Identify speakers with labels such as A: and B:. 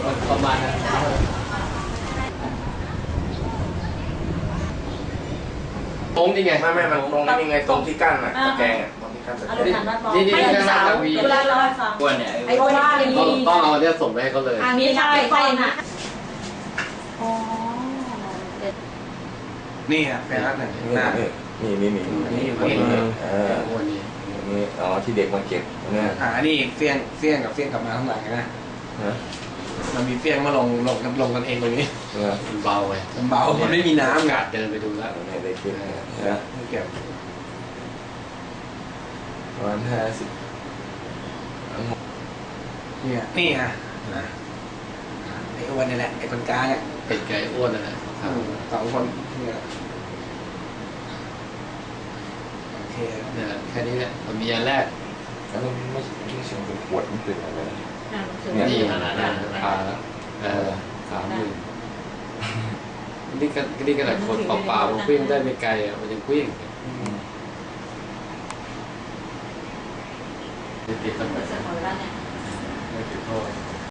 A: ประมาณนั้นตรงนี่ไง
B: ไม่มันตรงนี้ไงตรงที่กั้นอ่ะตะแกรงอ่ะตรงที่กั้นตะแกรง
A: นี่
C: ให้สาวเวลาเราให้ฟัง
D: กวนเนี่ย
C: ไอ้ว่า
A: ต้องเอาเนี่ยส่งไปให้เขาเลย
C: อันนี้ใช่ใช่นะอ๋อ
B: นี่อ่ะแฟนรักหนึ่งหน้า
E: นี่อยู่นี่นี่อ๋อที่เด็กมาเก็บเนี่ย
B: นี่เฟี้ยงกับเฟี้ยงกลับมาข้างหลังนะมันมีเฟี้ยงมาลงกันเองตรงนี้
A: มันเบาไง
B: มันเบามันไม่มีน้ำ
A: กาดเดินไปดูแล้ว
E: เนี่ยได้เก็บนะ
B: เก็บ
E: ประมาณ50
B: นี่อ่ะไอ้อ้วนนี่แหละไอ้คนกลางอ่ะ
A: เป็ดไก่อ้วนนั่นแหละ
B: 2 คนเนี่ยโอเค
A: เนี่ยแค่นี้แหละมันมีอันแรก
E: แล้วมันไม่ใช่เป็นขวดมันเป็นอะไร
A: นี่นี่ขนาดคนเปล่าๆมันวิ่งได้ไม่ไกลอ่ะมันยังวิ่งติดกันไปไม่ติดโทษ